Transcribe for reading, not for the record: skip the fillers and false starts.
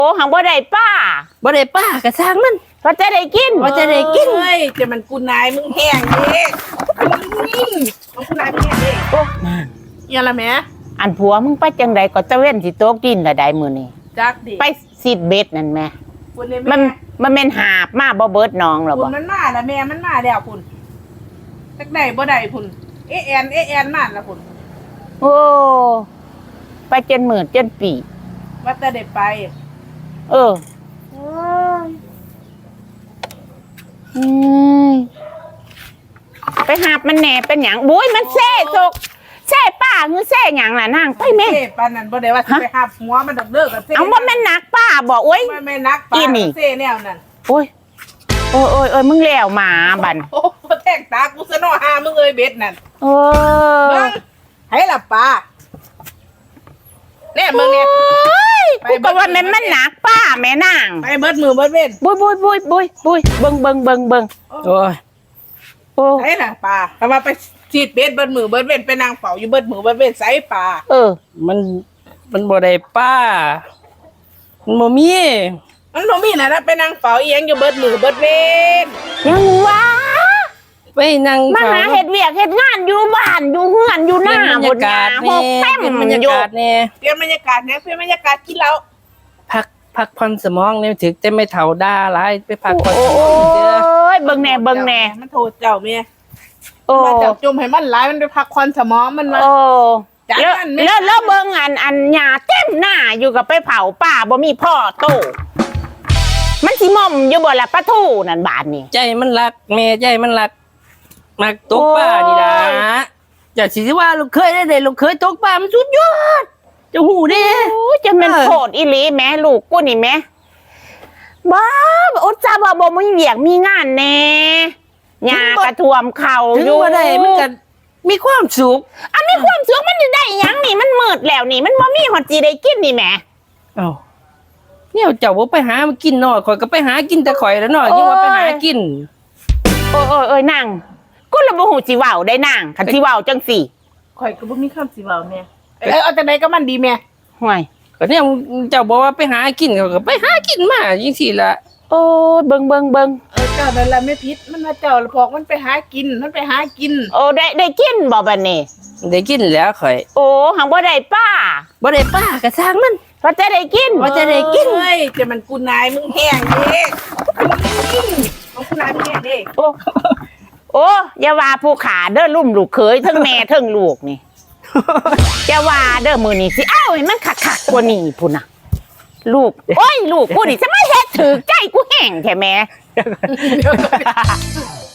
โอ้หังบ่ได้ป้ากระช่างมันเพราะจะได้กินว่าจะได้กินเฮ้ยจะมันกูนายมึงแห้งเด้มันกูนายมึงแห้งเด้โอ้ยังละแม่อันผัวมึงไปจังใดก็ตะเว้นสิโตกดินละได้มื้อนี้จักดิไปซีดเบ็ดนั่นแม่คุณเนี่ยมันแม่นหาบมาบ่เบิดน้องหรอบ่มันมาแล้วแม่มันมาแล้วคุณจักได้บ่ได้คุณเอ็นมาแล้วคุณโอ้ไปจนหมื่นจนปีว่าแต่ได้ไปไปหาบมันแหน่เป็นหยังบุ้ยมันแซ่จกแซ่ป้าหรือแซ่หยังล่ะนางไปแม่เซ่ปานนั้นบ่ได้ว่าสิไปหาหัวมันดอกเด้อกับเซ่เอาบ่แม่นนักป้าบ่โอ้ยไม่นักป้าเซ่แนวนั้นโอ้ยมึงแล้วหมาบั่นโอ้แทงตากูซะเนาะหามึงเอ้ยเบ็ดนั่นให้ล่ะป้าแน่มึงเนี่ยกูก็ว่ามันหนักป้าแม่นางไปเบิดมือเบิดเว้นบุ้ยเบิ่งโอ้ยใช่ล่ะป้าถ้าว่าไปฉีดเบ็ดเบิดมือเบิดเว้นไปนางเฝ้าอยู่เบิดมือเบิดเว้นใส่ป้ามันบ่ได้ป้ามันบ่มีนะไปนางเฝ้าเอียงอยู่เบิดมือเบิดเว้นยังวะไปนั่งมาหาเฮ็ดเวียกเฮ็ดงานอยู่บ้านอยู่เฮือนอยู่หน้าบนยาหกแต้มบรรยากาศเนี่ยเปลี่ยนบรรยากาศเนี่ยเปลี่ยนบรรยากาศกินแล้วพักผ่อนสมองเนี่ยถึงจะไม่เฒ่าด่าหลายไปพักผ่อนสมองเด้อเบิ่งแน่มันโทษเจ้าเมียมาจับจุ่มให้มันหลายมันไปพักผ่อนสมองมันมาแล้วเบิ่งอันหญ้าเต็มหน้าอยู่กับไปเผาป่าบ่มีพ่อโตมันสิม่อมอยู่บ่ล่ะปะทูนั่นบาดนี่ใจมันรักแม่ใจมันรักมักตกปลานี่ล่ะอย่าสิว่าลูกเคยได้ลูกเคยตกปลามันสุดยอดจะหูเด้จะเป็นโคตรอีหลีแม่ลูกกูนี่แม่บ้าอดจ้าบ่มีเวียกมีงานแน่หญ้ากระท่วมเข่าอยู่บ่ได้มันก็มีความสุขมีความสุขมันได้หยังนี่มันมืดแล้วนี่มันบ่มีฮอดสิได้กินนี่แม่เนี่ยเจ้าบ่ไปหามากินน้อยข่อยก็ไปหากินแต่ข่อยแล้วน้อยยังว่าไปหากินนางกูละบ่ฮู้สิเว้าได้นางคันสิเว้าจังสี่ข่อยก็บ่มีคำสิเว้าแม่เอาจังได๋ก็มันดีแม่ห่วยก็เนี่ยเจ้าบอกว่าไปหากินเขาก็ไปหากินมาจังซี่ล่ะโอ้เบิ่งเจ้านั่นล่ะไม่ผิดมันว่าเจ้าพอกมันไปหากินได้กินบ่บัดนี้ได้กินแล้วข่อยหังบ่ได้ป้ากระช่างมันเพราะจะได้กินเฮ้ยจะมันกูนายมึงแห้งเด้มันกูนายมึงแห้งเด้อย่าว่าผู้ขาเด้อลุ่มลูกเขยทั้งแม่ทั้งลูกนี่อย่าว่าเด้อมื้อนี้สิเอ้าให้มันคักๆกว่านี้พุ่นน่ะลูกลูกกูนี่จะมาเฮ็ดถือใจกูแห้งแท้แม่